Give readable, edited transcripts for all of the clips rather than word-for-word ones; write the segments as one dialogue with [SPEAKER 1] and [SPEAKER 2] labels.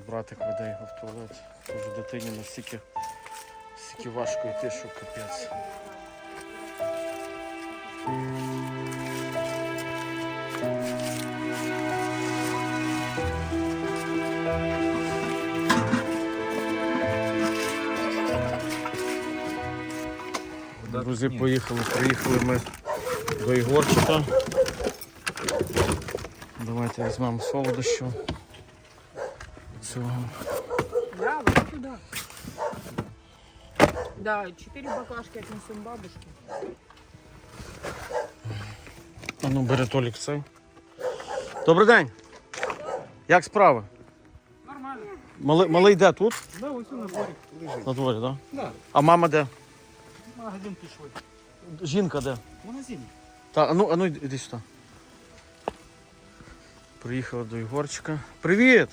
[SPEAKER 1] Братик веде його в туалет. Вже дитині настільки важко йти, що капець. Друзі, приїхали ми до Ігорчика. Давайте візьмемо солодощу. Цього.
[SPEAKER 2] Да, вот сюда. Да, 4 баклажки отнесем бабушке.
[SPEAKER 1] А ну, бери Толік цей. Добрий день. Як справи?
[SPEAKER 2] Нормально.
[SPEAKER 1] Малий де тут?
[SPEAKER 2] Да, ось на дворі лежить.
[SPEAKER 1] На дворі, так? Да?
[SPEAKER 2] Да.
[SPEAKER 1] А мама де?
[SPEAKER 2] В магазин пішли.
[SPEAKER 1] Жінка де?
[SPEAKER 2] В магазині.
[SPEAKER 1] А ну іди сюди. Приїхала до Ігорчика. Привіт!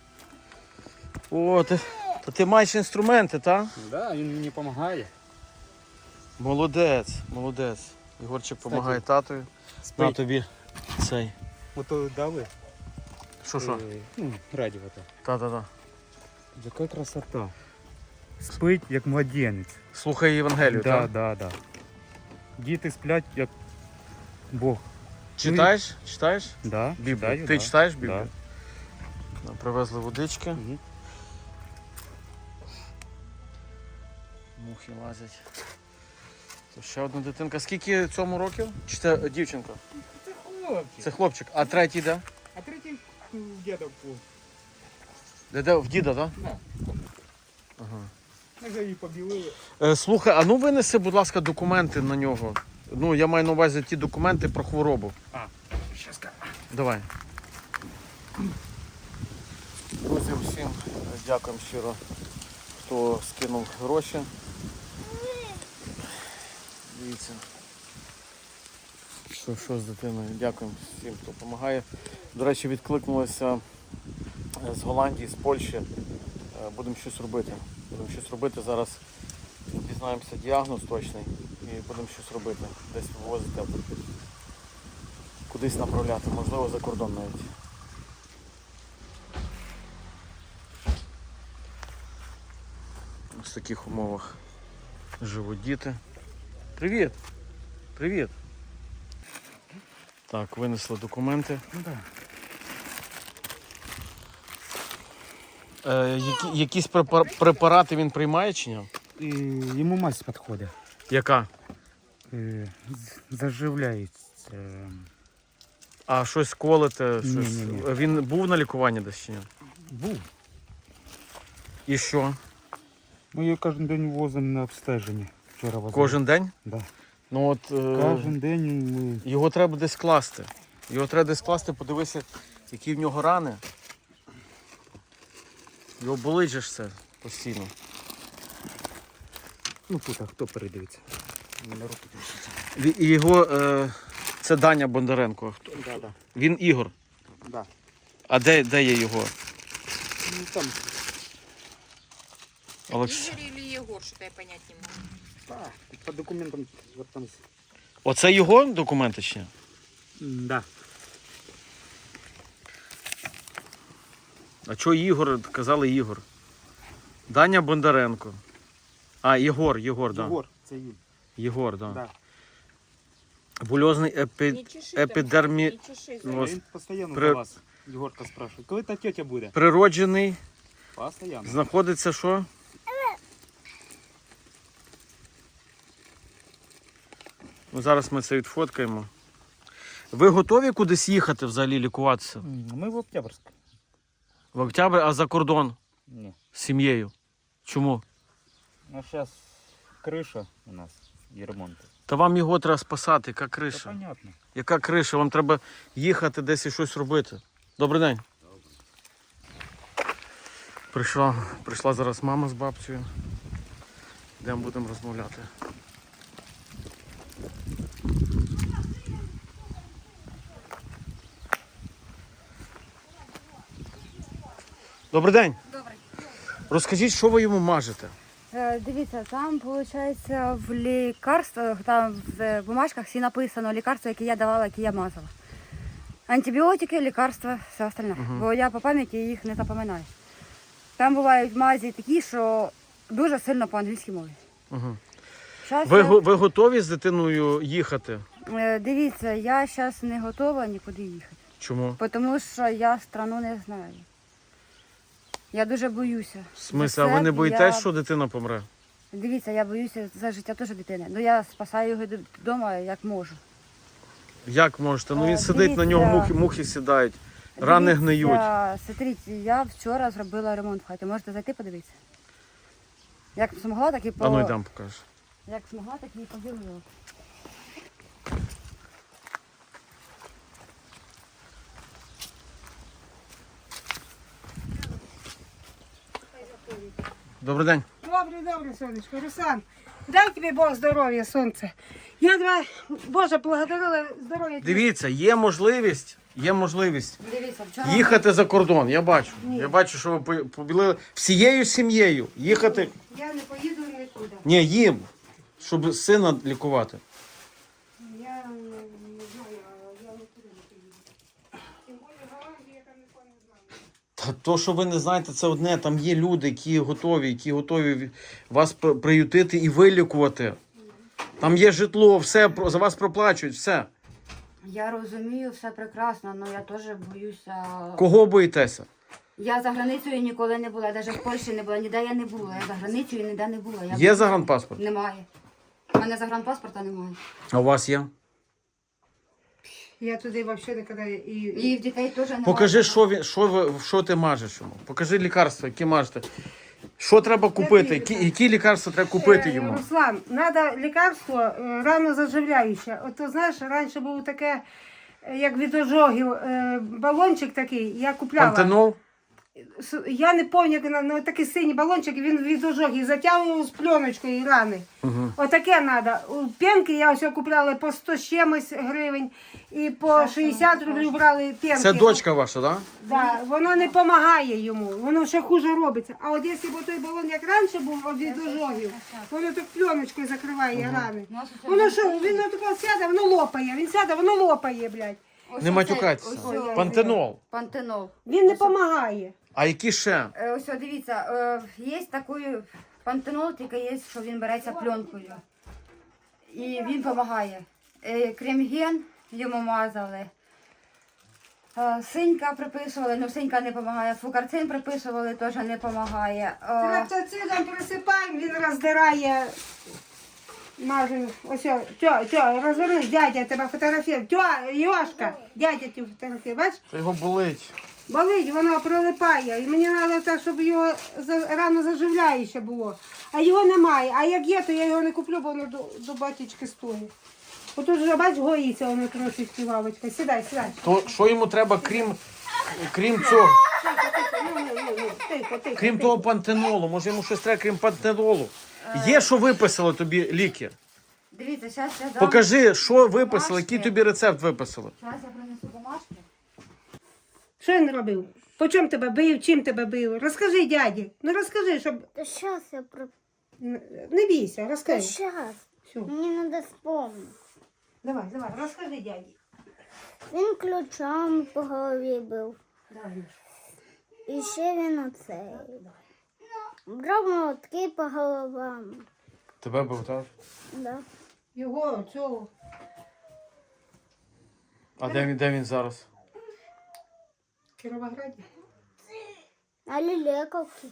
[SPEAKER 1] О, ти маєш інструменти, так?
[SPEAKER 2] Да, він мені допомагає.
[SPEAKER 1] Молодець. Ігорчик допомагає татові. На тобі цей.
[SPEAKER 2] Ото дали.
[SPEAKER 1] Що?
[SPEAKER 2] Радіо то.
[SPEAKER 1] Та.
[SPEAKER 2] Яка красота. Спить як младенець.
[SPEAKER 1] Слухай Євангелію, так?
[SPEAKER 2] Да. Діти сплять як Бог.
[SPEAKER 1] Читаєш?
[SPEAKER 2] Да,
[SPEAKER 1] Біблію.
[SPEAKER 2] читаю,
[SPEAKER 1] Ти
[SPEAKER 2] да.
[SPEAKER 1] читаєш Біблію? Да. Привезли водички.
[SPEAKER 2] Угу.
[SPEAKER 1] Мухи лазять. То ще одна дитинка. Скільки цьому років? Чи це дівчинка?
[SPEAKER 2] Це хлопчик.
[SPEAKER 1] Це хлопчик. А третій де?
[SPEAKER 2] А третій в діда був.
[SPEAKER 1] Де? В діда, так?
[SPEAKER 2] Да.
[SPEAKER 1] Ага.
[SPEAKER 2] Ми вже її побілили.
[SPEAKER 1] Слухай, а ну винеси, будь ласка, документи на нього. Ну, я маю на увазі ті документи про хворобу.
[SPEAKER 2] Щас.
[SPEAKER 1] Давай. Друзі, всім дякуємо щиро, хто скинув гроші. Дивіться. Що з дитиною? Дякуємо всім, хто допомагає. До речі, відкликнулися з Голландії, з Польщі. Будемо щось робити. Зараз дізнаємося діагноз точний і будемо щось робити. Десь вивозити або кудись направляти, можливо за кордон навіть. Ось в таких умовах живуть діти. Привіт! Так, винесли документи.
[SPEAKER 2] Да.
[SPEAKER 1] Якісь препарати він приймає чи ні?
[SPEAKER 2] І йому мазь підходить.
[SPEAKER 1] Яка?
[SPEAKER 2] Заживляється.
[SPEAKER 1] А щось колите?
[SPEAKER 2] Ні.
[SPEAKER 1] Він був на лікуванні десь чи ні?
[SPEAKER 2] Був.
[SPEAKER 1] І що?
[SPEAKER 2] Ми її кожен день возимо на обстеження. Вчора возили.
[SPEAKER 1] Кожен день?
[SPEAKER 2] Да.
[SPEAKER 1] Ну от
[SPEAKER 2] Кожен день ми...
[SPEAKER 1] його треба десь класти. Подивися, які в нього рани. Його болить же ж все постійно.
[SPEAKER 2] Ну тут, а хто передивиться? На руки
[SPEAKER 1] І його, це Даня Бондаренко.
[SPEAKER 2] Да.
[SPEAKER 1] Він Ігор.
[SPEAKER 2] Да.
[SPEAKER 1] А де є його?
[SPEAKER 2] Ну там.
[SPEAKER 1] Олекс...
[SPEAKER 3] Игорь или Егор, что-то я понять не могу.
[SPEAKER 2] По документам вот там.
[SPEAKER 1] Оце його документи чи ні?
[SPEAKER 2] Да.
[SPEAKER 1] А чого Ігор? Казали Ігор. Даня Бондаренко. А, Єгор, да.
[SPEAKER 2] Єгор, це він.
[SPEAKER 1] Єгор, да.
[SPEAKER 2] Да.
[SPEAKER 1] Бульозний
[SPEAKER 3] Не чеши там,
[SPEAKER 1] епідермі...
[SPEAKER 3] не чеши.
[SPEAKER 1] Ну,
[SPEAKER 2] Він постійно
[SPEAKER 1] при-
[SPEAKER 2] за вас, Єгорка, спрашує. Коли та тетя буде?
[SPEAKER 1] Природжений.
[SPEAKER 2] Постійно.
[SPEAKER 1] Знаходиться що? Ну, зараз ми це відфоткаємо. Ви готові кудись їхати взагалі лікуватися?
[SPEAKER 2] Ми в Октябрьськ.
[SPEAKER 1] В Октябрь, а за кордон?
[SPEAKER 2] Ні.
[SPEAKER 1] З сім'єю? Чому?
[SPEAKER 2] Ну зараз криша у нас і ремонт.
[SPEAKER 1] Та вам його треба спасати, яка
[SPEAKER 2] Це
[SPEAKER 1] криша?
[SPEAKER 2] понятно.
[SPEAKER 1] Яка криша? Вам треба їхати десь і щось робити. Добрий день. Прийшла зараз мама з бабцею. Йдемо будемо розмовляти. Добрий день.
[SPEAKER 3] Добрый.
[SPEAKER 1] Розкажіть, що ви йому мажете?
[SPEAKER 4] Дивіться, там виходить в лікарствах, там в бумажках всі написано лікарства, які я давала, які я мазала. Антибіотики, лікарства, все остальне. Бо я по пам'яті їх не запам'ятаю. Там бувають мазі такі, що дуже сильно по-англійськи мові.
[SPEAKER 1] Угу.
[SPEAKER 4] Щас
[SPEAKER 1] Ви готові з дитиною їхати?
[SPEAKER 4] дивіться, я зараз не готова нікуди їхати.
[SPEAKER 1] Чому?
[SPEAKER 4] Тому що я страну не знаю. Я дуже боюся.
[SPEAKER 1] В смислі, а ви не боїтесь, що дитина помре?
[SPEAKER 4] Дивіться, я боюся за життя теж дитини. Ну я спасаю його вдома як можу.
[SPEAKER 1] Як можете? Ну він сидить, на нього
[SPEAKER 4] дивіться.
[SPEAKER 1] мухи сідають, рани гниють.
[SPEAKER 4] Смотрите, я вчора зробила ремонт в хаті. Можете зайти подивитися. Як змогла, так і
[SPEAKER 1] А ну йдемо покажеш.
[SPEAKER 4] Як змогла, так і поділила.
[SPEAKER 1] Добрий день.
[SPEAKER 5] Добре, сонечко. Руслан, дай тобі Бог здоров'я, сонце. Я тебе, Боже, благодарила здоров'я.
[SPEAKER 1] Дивіться, є можливість
[SPEAKER 4] Дивіться, вчора
[SPEAKER 1] їхати за кордон. Я бачу. Я бачу, що ви побілили всією сім'єю. Їхати.
[SPEAKER 5] Я не поїду нікуди.
[SPEAKER 1] Ні, їм, щоб сина лікувати.
[SPEAKER 5] Я не знаю, я нікуди не поїду. Тим більше в Голландії я там нікого не знаю.
[SPEAKER 1] Та то, що ви не знаєте, це одне. Там є люди, які готові вас приютити і вилікувати. Там є житло, все за вас проплачують, все.
[SPEAKER 4] я розумію, все прекрасно, але я теж боюся.
[SPEAKER 1] Кого боїтеся?
[SPEAKER 4] Я за границею ніколи не була, навіть в Польщі не була, ніде я не була. Я за границею ніде не була.
[SPEAKER 1] Є загранпаспорт?
[SPEAKER 4] Немає. У мене загранпаспорта немає.
[SPEAKER 1] А у вас є?
[SPEAKER 5] Я туди взагалі ніколи
[SPEAKER 4] І в дітей теж немає.
[SPEAKER 1] Покажи, що ти мажеш йому. Покажи лікарства, які мажете. Що треба купити? Які лікарства треба купити йому?
[SPEAKER 5] Руслан, треба лікарство рано заживляюче. От ти знаєш, раніше було таке, як від ожогів, балончик такий, я купляла.
[SPEAKER 1] Пантенол?
[SPEAKER 5] Я не пам'ятаю, ну такий синій балончик, він від ожогів затягував з пленочкою рани.
[SPEAKER 1] Угу.
[SPEAKER 5] Отаке треба. Пенки я ось купляла по 100 з чимось гривень і по 60 рублів брали пенки.
[SPEAKER 1] Це дочка ваша, так?
[SPEAKER 5] Да, воно не допомагає йому, воно ще хуже робиться. А от якщо б той балон, як раніше був від ожогів, воно так пленочкою закриває рани. Воно що, він отако сяде, воно лопає, він сяде, воно лопає, блядь.
[SPEAKER 1] Не матюкайтеся. Пантенол.
[SPEAKER 4] Пантенол.
[SPEAKER 5] Він не допомагає.
[SPEAKER 1] А які ще?
[SPEAKER 4] Ось дивіться, є такий пантенол, тільки є, що він береться пленкою. І він допомагає. Кремген йому мазали. Синька приписували, але синька не допомагає. Фукарцин приписували, теж не допомагає.
[SPEAKER 5] Траптоцидом присипаємо, він роздирає. Мажу, ось, розвернись, дядя тебе фотографує. Йошка, дядя тебе фотографує, бачиш?
[SPEAKER 1] Та його болить.
[SPEAKER 5] Болить, воно прилипає. І мені треба так, щоб його рано заживляюче було. А його немає. А як є, то я його не куплю, бо воно до батечки стоїть. Отут вже, бач, гоїться воно трошечки, лавочка. Сідай.
[SPEAKER 1] То що йому треба, крім цього?
[SPEAKER 5] Тихо.
[SPEAKER 1] Крім того пантенолу, може йому щось треба, крім пантенолу? Є, що виписали тобі ліки?
[SPEAKER 4] Дивіться, зараз я дам.
[SPEAKER 1] Покажи, що виписали, який
[SPEAKER 4] Бумажки.
[SPEAKER 1] тобі рецепт виписали.
[SPEAKER 4] Зараз я принесу бумажки.
[SPEAKER 5] Що він робив? По чому тебе бив, чим тебе бив? Розкажи, дяді. Ну розкажи, щоб...
[SPEAKER 6] Да сейчас я про...
[SPEAKER 5] Не бійся,
[SPEAKER 6] Да
[SPEAKER 5] розкажи.
[SPEAKER 6] сейчас.
[SPEAKER 5] Все.
[SPEAKER 6] Мне надо вспомнить.
[SPEAKER 5] Давай, розкажи, дяді.
[SPEAKER 6] Він ключами по голові бив.
[SPEAKER 5] Давай.
[SPEAKER 6] І ще він оцей. Брав молотки по головам.
[SPEAKER 1] Тебе був, так?
[SPEAKER 6] Да.
[SPEAKER 5] Його, цього.
[SPEAKER 1] А де він зараз?
[SPEAKER 5] В Кіровограді.
[SPEAKER 6] А лілековки.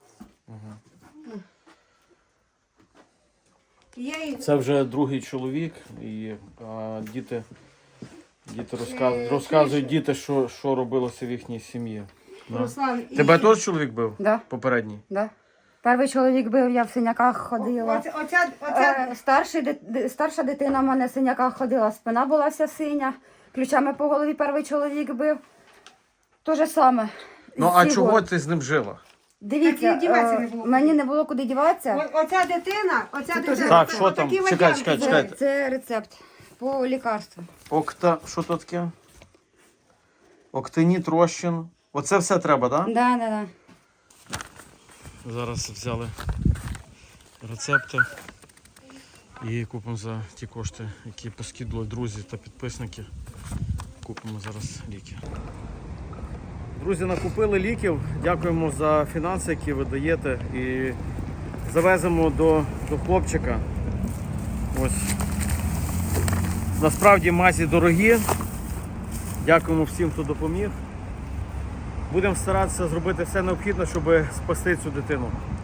[SPEAKER 5] Я їх...
[SPEAKER 1] Це вже другий чоловік, і діти розказують діти, що робилося в їхній сім'ї. Да.
[SPEAKER 5] Руслан, і...
[SPEAKER 1] Тебе теж чоловік бив?
[SPEAKER 4] Да.
[SPEAKER 1] Попередній?
[SPEAKER 4] Да. Перший чоловік бив, я в синяках ходила.
[SPEAKER 5] Оця...
[SPEAKER 4] Старша дитина в мене в синяках ходила, спина була вся синя, ключами по голові перший чоловік бив. То же саме.
[SPEAKER 1] Ну а
[SPEAKER 4] Всі
[SPEAKER 1] чого
[SPEAKER 4] год.
[SPEAKER 1] ти з ним жила?
[SPEAKER 4] Дивіться,
[SPEAKER 5] Так і діватися не було
[SPEAKER 4] мені не було куди діватися.
[SPEAKER 5] Оця дитина,
[SPEAKER 1] Так, що там?
[SPEAKER 5] отакі
[SPEAKER 1] Чекайте,
[SPEAKER 5] варіанти.
[SPEAKER 1] чекайте.
[SPEAKER 4] Це рецепт по лікарству.
[SPEAKER 1] Що то таке? Октиніт, розчин. Оце все треба, так?
[SPEAKER 4] Да.
[SPEAKER 1] Зараз взяли рецепти і купимо за ті кошти, які поскидали друзі та підписники. Купимо зараз ліки. Друзі, накупили ліків. Дякуємо за фінанси, які ви даєте. І завеземо до хлопчика. Ось. Насправді мазі дорогі. Дякуємо всім, хто допоміг. Будемо старатися зробити все необхідне, щоб спасти цю дитину.